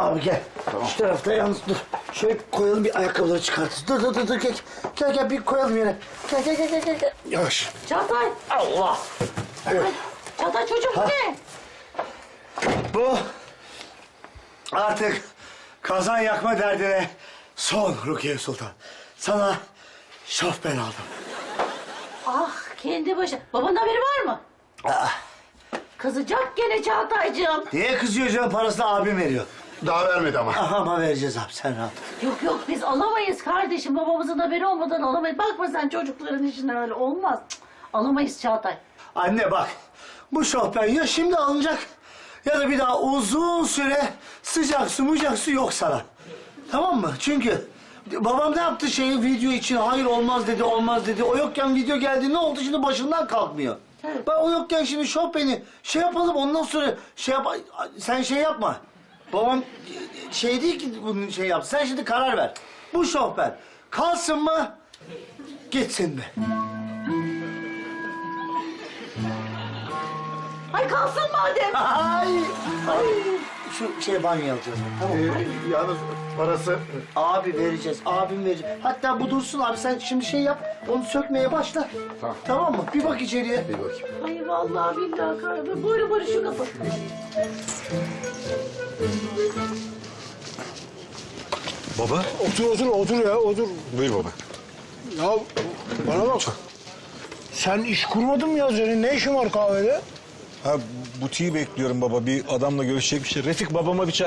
Abi gel. Tamam. Şu tarafta yalnız dur. Şöyle koyalım bir ayakkabıları çıkartırız. Dur gel. Gel bir koyalım yere. Gel. Yavaş. Çağatay. Allah. Evet. Çağatay çocuğum bu ne? Bu artık kazan yakma derdine son Rukiye Sultan. Sana şofben aldım. Ah kendi başına. Babanın haberi var mı? Kızacak gene Çağatay'cığım. Niye kızıyor canım? Parasını abim veriyor. Daha vermedi ama. Ama vereceğiz abi, sen rahat. Yok biz alamayız kardeşim. Babamızın haberi olmadan alamayız. Bakma sen çocukların işine öyle olmaz. Cık, alamayız Çağatay. Anne bak, bu şofben ya şimdi alınacak ya da bir daha uzun süre sıcak su yok sana. Tamam mı? Çünkü babam ne yaptı video için? Hayır olmaz dedi. O yokken video geldi, ne oldu şimdi başından kalkmıyor. Evet. Ben o yokken şimdi şofbeni yapalım, ondan sonra sen yapma. Babam değil ki bunun yaptı. Sen şimdi karar ver. Bu şofben kalsın mı, gitsin mi? Ay kalsın madem. Ay. Şu banyo alacağız. Tamam. Yalnız parası... Abi vereceğiz, abim verecek. Hatta bu dursun abi, sen şimdi yap, onu sökmeye başla. Tamam. Tamam mı? Bir bak içeriye. Bir bakayım. Ay vallahi billahi kardeşim. Buyurun şu kapı. Baba. Otur. Buyur baba. Ya bana bak. Sen iş kurmadın mı ya? Senin ne işin var kahvede? Ha butiği bekliyorum baba. Bir adamla görüşecek bir şey. Refik babama bir çay.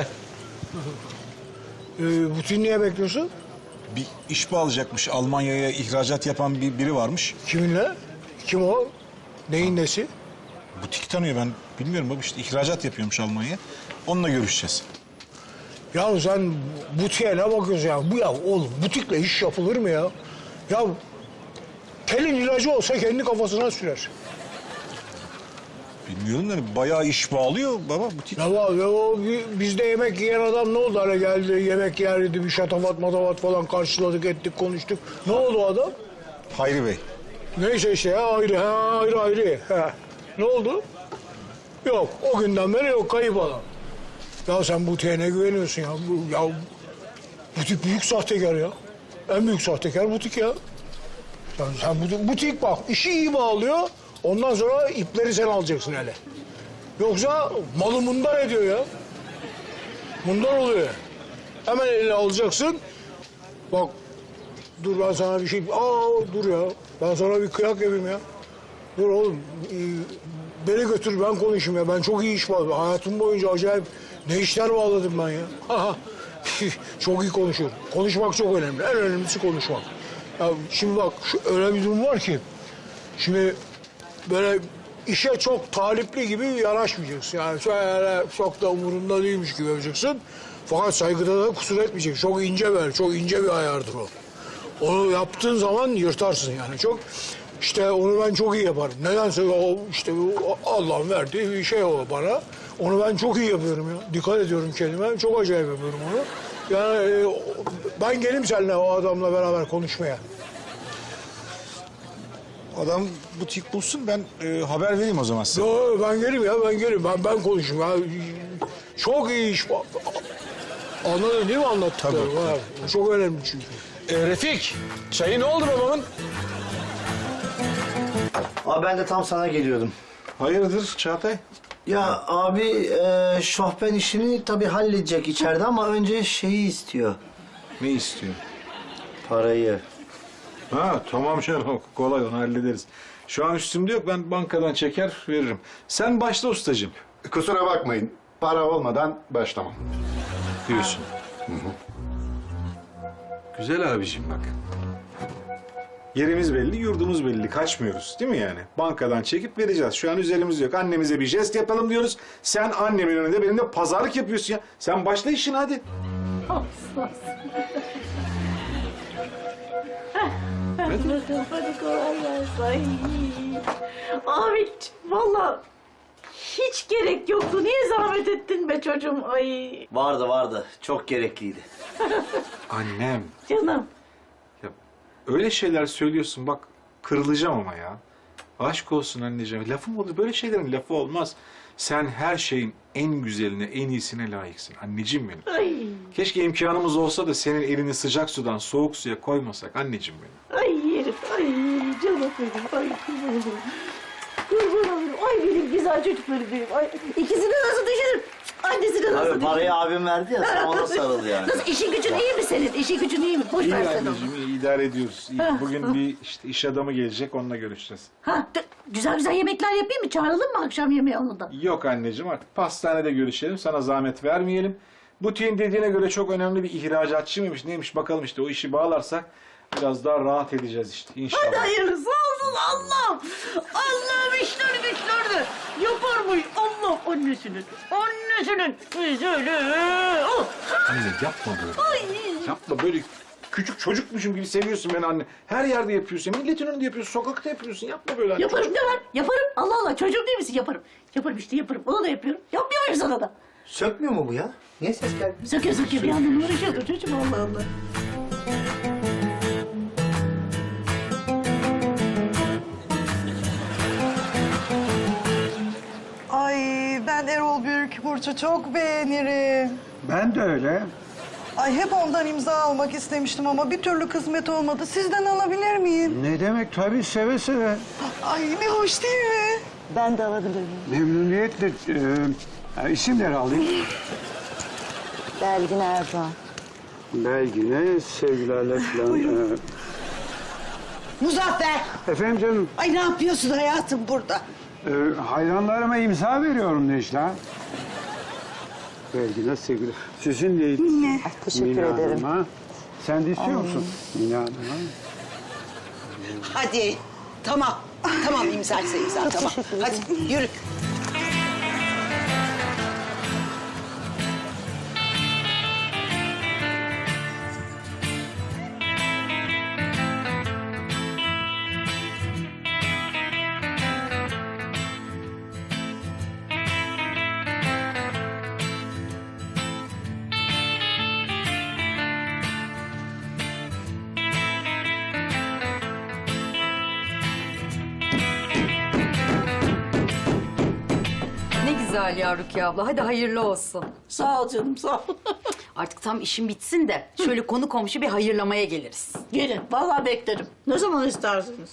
Butiği niye bekliyorsun? Bir iş bağlayacakmış. Almanya'ya ihracat yapan biri varmış. Kiminle? Kim o? Neyin nesi? Butik tanıyor, ben bilmiyorum baba, işte ihracat yapıyormuş Almanya'ya. Onunla görüşeceğiz. Ya sen butiğe ne bakıyorsun ya? Bu ya oğlum butikle iş yapılır mı ya? Ya kelin ilacı olsa kendi kafasına sürer. Bilmiyorum da bayağı iş bağlıyor baba butik. Ya o bizde yemek yiyen adam ne oldu? Hani geldi yemek yerdi, bir şatafat falan karşıladık, ettik, konuştuk. Ne oldu o adam? Hayri Bey. Neyse işte ya ayrı. Ha. Ne oldu? Yok o günden beri yok, kayıp adam. Ya sen butiğe ne güveniyorsun ya? Butik büyük sahtekar ya. En büyük sahtekar butik ya. Sen butik bak işi iyi bağlıyor. Ondan sonra ipleri sen alacaksın hele. Yoksa malı mundar ediyor ya. Mundar oluyor. Hemen eline alacaksın. Bak dur ben sana bir şey... dur ya. Ben sana bir kıyak yapayım ya. Dur oğlum. Beni götür ben konuşayım ya. Ben çok iyi iş bağladım. Hayatım boyunca acayip ne işler bağladım ben ya. Çok iyi konuşuyorum. Konuşmak çok önemli. En önemlisi konuşmak. Ya şimdi bak öyle bir durum var ki... Şimdi böyle işe çok talipli gibi yanaşmayacaksın. Yani şöyle çok da umurunda değilmiş gibi yapacaksın. Fakat saygıda da kusur etmeyeceksin. Çok ince bir ayardır o. Onu yaptığın zaman yırtarsın yani çok. İşte onu ben çok iyi yaparım. Nedense o işte Allah'ın verdiği bir şey o bana. Onu ben çok iyi yapıyorum ya. Dikkat ediyorum kendime. Çok acayip yapıyorum onu. Yani ben geleyim seninle o adamla beraber konuşmaya. Adam butik bulsun, ben haber vereyim o zaman size. Yo, ben geleyim. Ben konuşayım. Ya. Çok iyi iş. Anladın değil mi anlattıklarım? Tabii. Çok önemli çünkü. Refik, çayı ne oldu babamın? Abi ben de tam sana geliyordum. Hayırdır Çağatay? Ya abi şofben işini tabii halledecek içeride ama önce istiyor. Ne istiyor? Parayı. Ha tamam canım, kolay, onu hallederiz. Şu an üstümde yok, ben bankadan çeker veririm. Sen başla ustacığım. Kusura bakmayın. Para olmadan başlamam. Diyorsun. Güzel abicim bak. Yerimiz belli, yurdumuz belli. Kaçmıyoruz değil mi yani? Bankadan çekip vereceğiz. Şu an üzerimizde yok. Annemize bir jest yapalım diyoruz. Sen annemin önünde benimle pazarlık yapıyorsun ya. Sen başla işine hadi. Hadi bakalım hadi kolay gelsin. Ay. Abi vallahi hiç gerek yoktu. Niye zahmet ettin be çocuğum? Ay Vardı. Çok gerekliydi. Annem. canım. Ya, öyle şeyler söylüyorsun bak, kırılacağım ama ya. Aşk olsun anneciğim. Lafım olur, böyle şeylerin lafı olmaz. Sen her şeyin en güzeline, en iyisine layıksın. Anneciğim benim. Ay, Keşke imkanımız olsa da senin elini sıcak sudan soğuk suya koymasak anneciğim benim. ay herif, ay canım benim, ay kurban olurum. Kurban olurum, ay benim güzel çocuklarım benim. Ay, ikisini nasıl düşünürüm? Annesini nasıl Abi düşünürüm? parayı abim verdi ya sen ona sarıl yani. Nasıl, işin gücün iyi mi senin? İşin gücün iyi mi? Boş İyi ver sen onu. anneciğim, iyi idare ediyoruz. İyi. Bugün bir işte iş adamı gelecek, onunla görüşeceğiz. Ha, güzel güzel yemekler yapayım mı? Çağıralım mı akşam yemeği onu da? Yok anneciğim, artık pastanede görüşelim, sana zahmet vermeyelim. Butiğin dediğine göre çok önemli bir ihracatçı mıymış, neymiş bakalım işte, o işi bağlarsak biraz daha rahat edeceğiz işte inşallah. Hadi hayırlısı olsun Allah'ım. Allah'ım işleri güçlerini yapar mı? Allah annesinin güzeli. Oh. Anne yapma böyle. Ay. Yapma böyle. Küçük çocukmuşum gibi seviyorsun beni anne. Her yerde yapıyorsun. Milletin önünde yapıyorsun. Sokakta yapıyorsun. Yapma böyle anne. Yaparım ne var? Yaparım. Allah Allah çocuğum değil misin? Yaparım. Yaparım işte yaparım. Onu da yapıyorum. Yapmıyor muyum sana da? Sökmüyor mu bu ya? Niye ses geldi? Söke söke bir yandan uğraşıyordur çocuğum Allah Allah. Ay ben Erol Büyükburç'u çok beğenirim. Ben de öyle. Ay hep ondan imza almak istemiştim ama bir türlü kısmet olmadı. Sizden alabilir miyim? Ne demek, tabii seve seve. Ay ne hoş değil mi? Ben de alabilir miyim? Memnuniyetle isimleri alayım. Belgin Erdoğan. Belgine sevgilerle falan. Muzaffer! Efendim canım, Ay ne yapıyorsun hayatım burada? hayranlarıma imza veriyorum Necla. Belgine sevgiler. Sizin neydi? Ne? Teşekkür Mina ederim. Hanım'a. Sen de istiyor musun? Mina Hanım'a. Hadi tamam. Tamam imzaysa imza tamam. Hadi yürü. Ne güzel ya Rukiye abla. Hadi hayırlı olsun. Sağ ol canım sağ ol. Artık tam işin bitsin de şöyle konu komşu bir hayırlamaya geliriz. Gelin vallahi beklerim. Ne zaman istersiniz?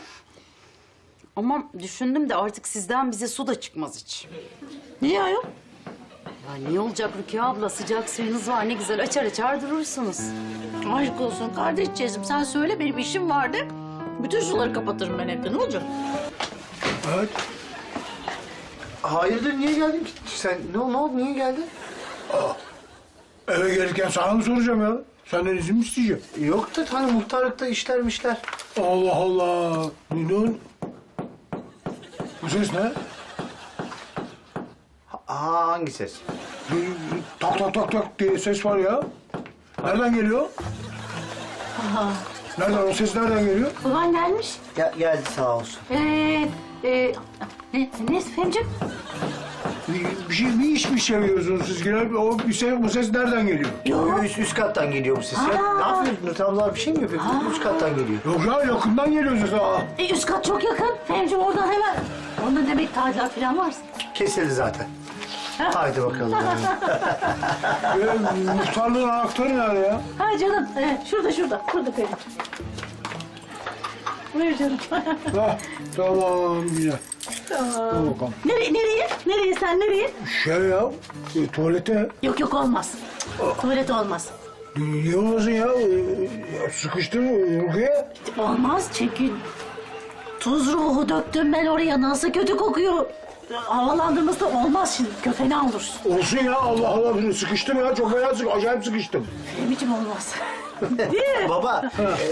Ama düşündüm de artık sizden bize su da çıkmaz hiç. Niye ayol? Ya niye olacak Rukiye abla? Sıcak suyunuz var, ne güzel açar açar durursunuz. Aşk olsun kardeşciğizim sen söyle benim işim vardı. Bütün suları kapatırım ben evde ne olacak? Evet. Hayırdır niye geldin ki? Sen ne oldu niye geldin? Eve gelirken sana mı soracağım ya? Senden izin mi isteyeceğim? Yok da hani muhtarlıkta işlermişler. Allah Allah. Ne? Bu ses ne? Hangi ses? Tak tak tak tak diye ses var ya. Nereden geliyor? Nereden, o ses nereden geliyor? Baban gelmiş. Geldi sağ olsun. Ne Femciğim? Bir iş mi çeviriyorsunuz siz yine? Bu ses nereden geliyor? Üst kattan geliyor bu ses ya. Ne yapıyorsun? Nutablar bir şey mi yapıyor? Üst kattan geliyor. Yok ya, yakından geliyor ses. Üst kat çok yakın. Femciğim oradan hemen. Onda demek tadilat falan varsa. Kesildi zaten. Haydi bakalım. Muhtarlığın anahtarı nerede ya? Ha canım şurada. Şurada Femciğim. Buyur canım. Tamam güzel. Dur bakalım. Nereye sen nereye? Şey ya, tuvalete. Yok olmaz. Tuvalet olmaz. Niye olmasın ya? Sıkıştı mı Rukiye? Olmaz çünkü tuz ruhu döktüm ben oraya nasıl kötü kokuyor. Havalandırması da olmaz şimdi köfeni olursun. Olsun ya, Allah Allah. Sıkıştım ya, çok fena acayip sıkıştım. Femciğim olmaz. Baba.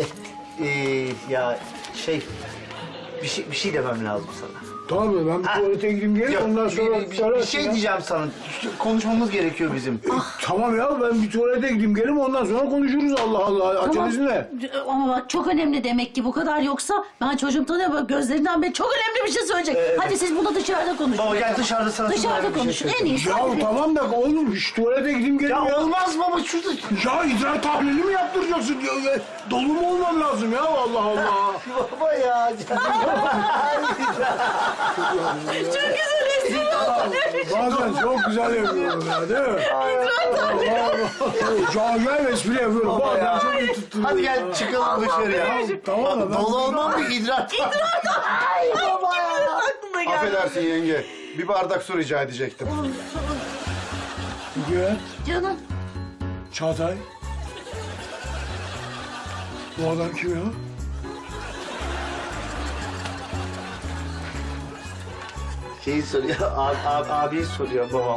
Ya bir şey demem lazım sana. Tamam mı? Ben bir tuvalete gideyim geleyim, Yok, ondan sonra... bir şey diyeceğim sana. Konuşmamız gerekiyor bizim. Tamam ya, ben bir tuvalete gideyim geleyim, ondan sonra konuşuruz. Allah Allah, aceleniz ne? Ama bak çok önemli demek ki bu kadar yoksa ben çocuğum tanıyorum bak gözlerinden beri çok önemli bir şey söyleyecek. Hadi siz bunu dışarıda konuşun. Baba gel dışarıda sana Dışarıda bir şey konuşun en söyleyeyim. iyisi. Ya Hadi. tamam da oğlum, şu tuvalete gideyim geleyim ya. Ya olmaz baba şurada. Ya idrar tahlili mi yaptıracaksın? Dolu mu olmam lazım ya? Allah Allah. Baba ya. Çok güzel espri oldu. Bazen çok güzel yapıyorum ya değil mi? Çok acayip espri yapıyorum. Bazen çok iyi tutturuyorum. Hadi gel çıkalım dışarıya. Tamam mı? Dolu olmam mı idrak? Ay baba ya. Aklıma geldi. Affedersin yenge. Bir bardak su rica edecektim. Güven, Canım. Çağatay. Bu adam kim ya? Şeyi soruyor, abi soruyor babam.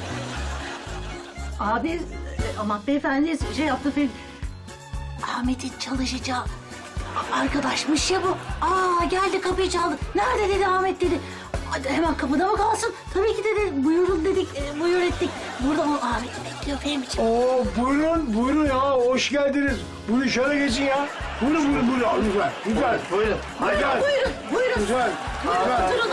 Abi ama beyefendi şey yaptı film. Ahmet'in çalışacağı arkadaşmış ya bu. Aa geldi kapıyı çaldı. Nerede dedi Ahmet dedi. Hadi hemen kapıda mı kalsın? Tabii ki dedi. Buyurun dedik. Buyur ettik. Burada o Ahmet'i bekliyor Fehmi'ciğim. Oo, buyurun ya. Hoş geldiniz. Buyurun şöyle geçin ya. Buyurun. Lütfen. Buyurun. Hadi. Buyurun. Lütfen. Oturun.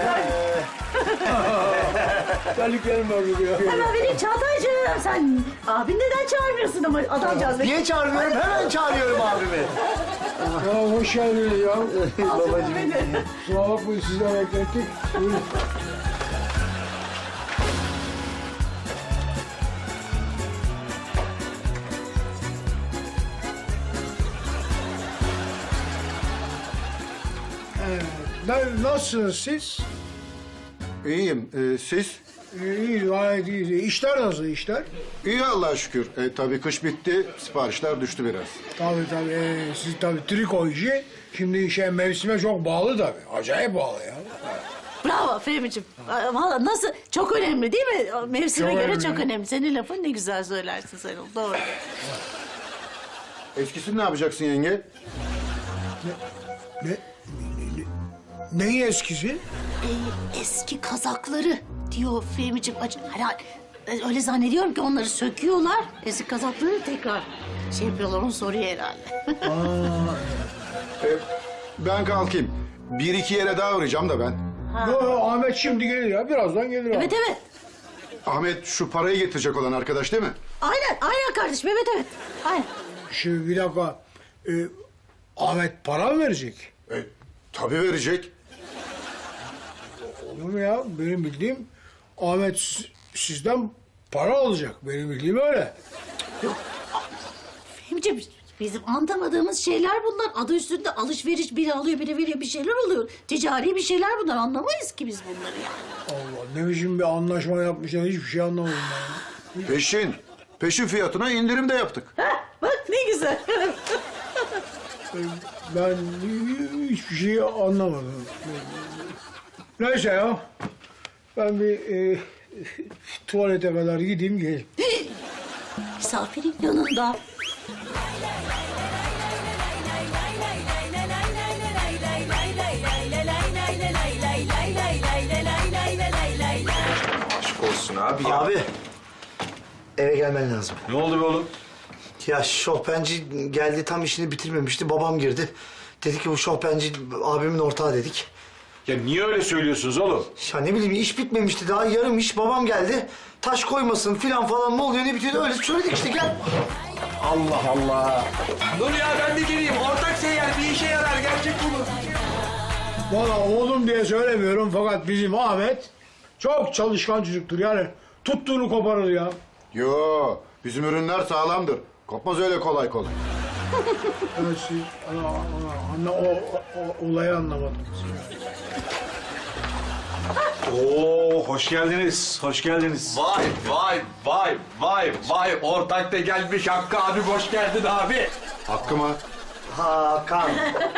Terliklerim var buraya. Hemen vereyim Çağatay'cığım. Sen abin neden çağırmıyorsun ama adamcağız bekliyor. Niye çağırmıyorum? Hemen çağırıyorum abimi. Ya hoş geldiniz ya. Babacığım. Kusura bakmayın sizi de beklettik. Buyurun. Nasılsınız siz? İyiyim. Siz? İyi, gayet iyi. İşler nasıl işler? İyi Allah'a şükür. Tabii kış bitti. Siparişler düştü biraz. Tabii. Siz tabii triko işi. Şimdi mevsime çok bağlı tabii. Acayip bağlı ya. Bravo Fehmi'ciğim. Valla nasıl? Çok önemli değil mi? Mevsime Çok göre önemli. çok önemli. Senin lafın ne güzel söylersin sen onu. Doğru. Eskisini ne yapacaksın yenge? Neyin eskisi? Eski kazakları diyor Fehmi'ciğim. Herhalde öyle zannediyorum ki onları söküyorlar. Eski kazakları tekrar şey yapıyorlar. Onu soruyor herhalde. Ben kalkayım. Bir iki yere daha uğrayacağım da ben. Yo, Ahmet şimdi gelir ya. Birazdan gelir. Evet. Ahmet şu parayı getirecek olan arkadaş değil mi? Aynen kardeşim. Evet. Aynen. Şimdi bir dakika. Ahmet para mı verecek? Tabii verecek. Olur mu ya? Benim bildiğim Ahmet sizden para alacak. Benim bildiğim öyle. Fehmi'ciğim bizim anlamadığımız şeyler bunlar. Adı üstünde alışveriş, biri alıyor biri veriyor, bir şeyler oluyor. Ticari bir şeyler bunlar, anlamayız ki biz bunları yani. Allah, ne biçim bir anlaşma yapmışlar, hiçbir şey anlamadım ben. Peşin fiyatına indirim de yaptık. Bak ne güzel. Ben hiçbir şey anlamadım. Neyse ya. Ben bir tuvalete kadar gideyim geleyim. Misafirin yanında. Aşk olsun abi ya. Abi, eve gelmen lazım. Ne oldu be oğlum? Ya şofbenci geldi, tam işini bitirmemişti. Babam girdi. Dedi ki bu şofbenci abimin ortağı dedik. Ya niye öyle söylüyorsunuz oğlum? Ya ne bileyim, iş bitmemişti daha, yarım iş. Babam geldi. Taş koymasın filan falan, ne oluyor ne bitiyor, öyle söyledik işte, gel. Allah Allah. Dur ya ben de geleyim. Ortak seyyar bir işe yarar. Gerçek bu. Valla oğlum diye söylemiyorum fakat bizim Ahmet çok çalışkan çocuktur. Yani tuttuğunu koparır ya. Yo, bizim ürünler sağlamdır. Kopmaz öyle kolay kolay. Evet, siz o olayı anlamadınız. Oo, hoş geldiniz. Hoş geldiniz. Vay. Ortak da gelmiş. Hakkı abi hoş geldin abi. Hakkı mı? Hakan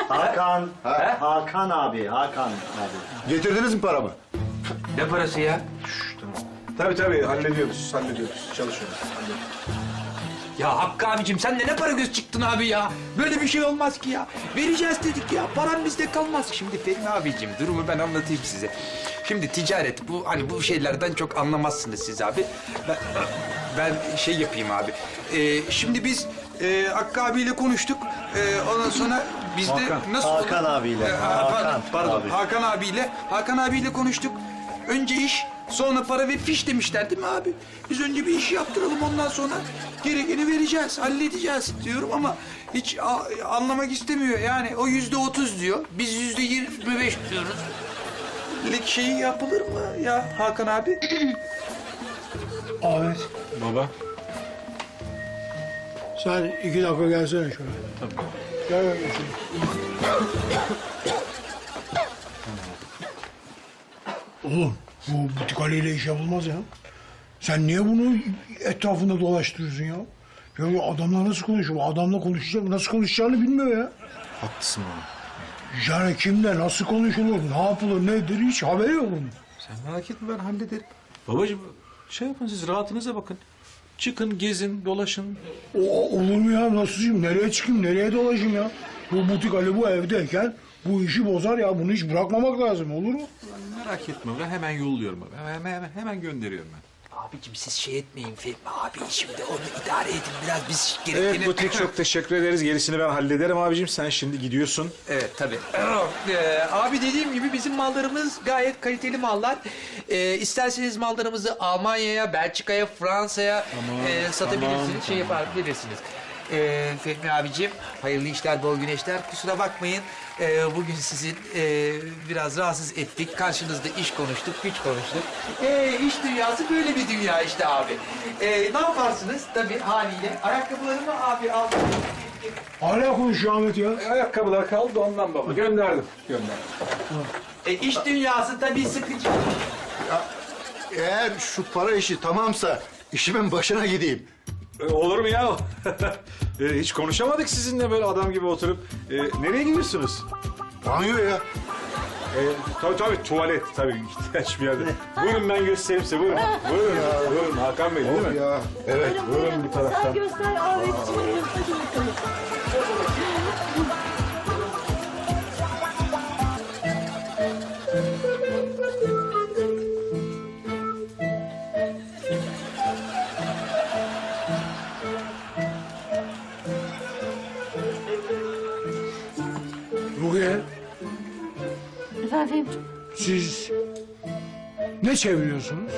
abi. Getirdiniz mi paramı? Ne parası ya? Tabii hallediyoruz. Çalışıyoruz. Ya Hakkı abicim sen de ne para göz çıktın abi ya. Böyle bir şey olmaz ki ya. Vereceğiz dedik ya. Param bizde kalmaz. Şimdi Fehmi abicim durumu ben anlatayım size. Şimdi ticaret bu, hani bu şeylerden çok anlamazsınız siz abi. Ben şey yapayım abi. Şimdi biz Hakkı abiyle konuştuk. Ondan sonra biz de nasıl Hakan olur? abiyle. Pardon. Abi. Hakan abiyle konuştuk. Önce iş, sonra para ve fiş demişler değil mi abi? Biz önce bir işi yaptıralım, ondan sonra gerekeni vereceğiz, halledeceğiz diyorum ama hiç anlamak istemiyor. Yani o %30 diyor, biz %25 diyoruz. lik şeyi yapılır mı ya Hakan abi? Ahmet, Baba. sen 2 dakika gelsene şöyle. Tamam. Gel gel şöyle. Oğlum, bu butik Ali'yle iş yapılmaz ya. Sen niye bunu etrafında dolaştırıyorsun ya? Ya bu adamla nasıl konuşuyor? Bu adamla konuşacak, nasıl konuşacağını bilmiyor ya. Haklısın baba. Yani kimle nasıl konuşulur, ne yapılır, nedir hiç haberi yok bunun. Sen merak etme ben hallederim. Babacığım şey yapın siz rahatınıza bakın. Çıkın, gezin, dolaşın. Olur mu ya, nasıl nereye çıkayım, nereye dolaşayım ya? Bu butik Ali bu evdeyken bu işi bozar ya, bunu hiç bırakmamak lazım, olur mu? Merak etme ben hemen yolluyorum abi. Hemen gönderiyorum ben. Abicim siz şey etmeyin Fehmi abi. Şimdi onu idare edin biraz biz gerektiğini... Evet Butik çok teşekkür ederiz. Gerisini ben hallederim abicim. Sen şimdi gidiyorsun. Evet tabii. Abi dediğim gibi bizim mallarımız gayet kaliteli mallar. İsterseniz mallarımızı Almanya'ya, Belçika'ya, Fransa'ya satabilirsiniz. Şey yapabilirsiniz. Fehmi abicim hayırlı işler, bol güneşler. Kusura bakmayın. Bugün sizin biraz rahatsız ettik. Karşınızda iş konuştuk, güç konuştuk. İş dünyası böyle bir dünya işte abi. Ne yaparsınız tabii haliyle? Ayakkabılarımı abi aldım. Hala konuşuyor Ahmet ya. Ayakkabılar kaldı ondan baba. Gönderdim. İş dünyası tabii sıkıcı. Eğer şu para işi tamamsa işimin başına gideyim. Olur mu ya? Hiç konuşamadık sizinle böyle adam gibi oturup. Nereye gidiyorsunuz? Banyoya. Tabii tuvalet tabii ihtiyaç bir yerde. Buyurun ben göstereyim size buyurun. Buyurun Hakan Bey değil mi? Ya evet. Buyurun bir taraftan. Sen göster Ahmetciğim. Hadi bakalım. Rukiye, Efendim? siz ne çeviriyorsunuz?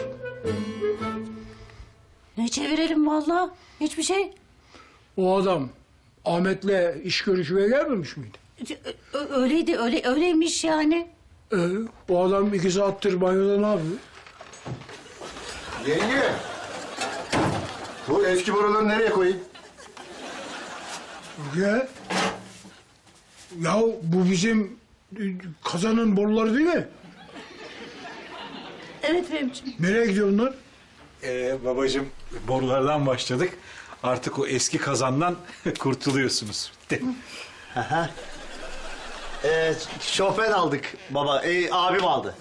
Ne çevirelim vallahi? Hiçbir şey. O adam Ahmet'le iş görüşmeye gelmemiş miydi? Öyleydi, öyleymiş yani. O adam 2 saattir banyoda ne yapıyor? Yenge. Bu eski boruları nereye koyayım? Rukiye, ya bu bizim kazanın boruları değil mi? Evet Fehmi'ciğim. Nereye gidiyor bunlar? Babacığım borulardan başladık. Artık o eski kazandan kurtuluyorsunuz. Bitti. Şoför aldık baba. Abim aldı.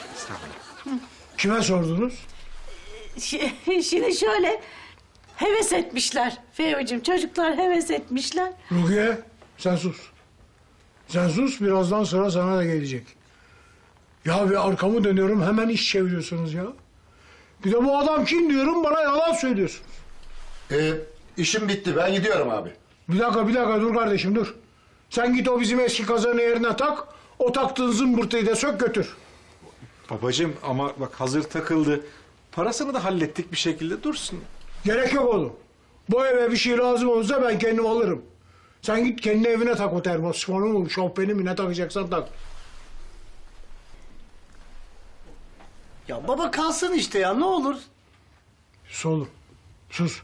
Kime sordunuz? Şimdi şöyle heves etmişler Fehmi'ciğim. Çocuklar heves etmişler. Rukiye, sen sus. Sen sus, birazdan sıra sana da gelecek. Ya bir arkamı dönüyorum, hemen iş çeviriyorsunuz ya. Bir de bu adam kim diyorum, bana yalan söylüyorsunuz. İşim bitti. Ben gidiyorum abi. Bir dakika dur kardeşim dur. Sen git o bizim eski kazanı yerine tak, o taktığın zımbırtıyı da sök götür. Babacığım ama bak hazır takıldı. Parasını da hallettik bir şekilde dursun. Gerek yok oğlum. Bu eve bir şey lazım olursa ben kendim alırım. Sen git kendi evine tak o termosifonu mu, şofbeni mi ne takacaksan tak. Ya baba kalsın işte ya ne olur. Sus oğlum, sus.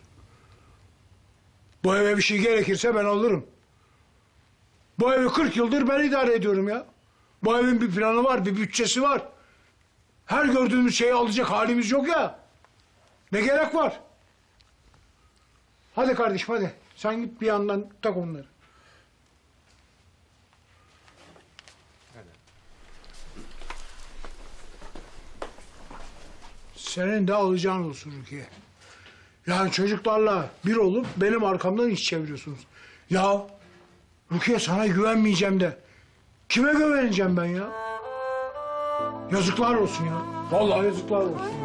Bu eve bir şey gerekirse ben alırım. Bu evi 40 yıldır ben idare ediyorum ya. Bu evin bir planı var, bir bütçesi var. Her gördüğümüz şeyi alacak halimiz yok ya. Ne gerek var? Hadi kardeşim hadi. Sen git bir yandan tak onları. Senin de alacağın olsun Rukiye. Yani çocuklarla bir olup benim arkamdan iş çeviriyorsunuz. Ya Rukiye sana güvenmeyeceğim de kime güveneceğim ben ya? Yazıklar olsun ya. Vallahi yazıklar olsun.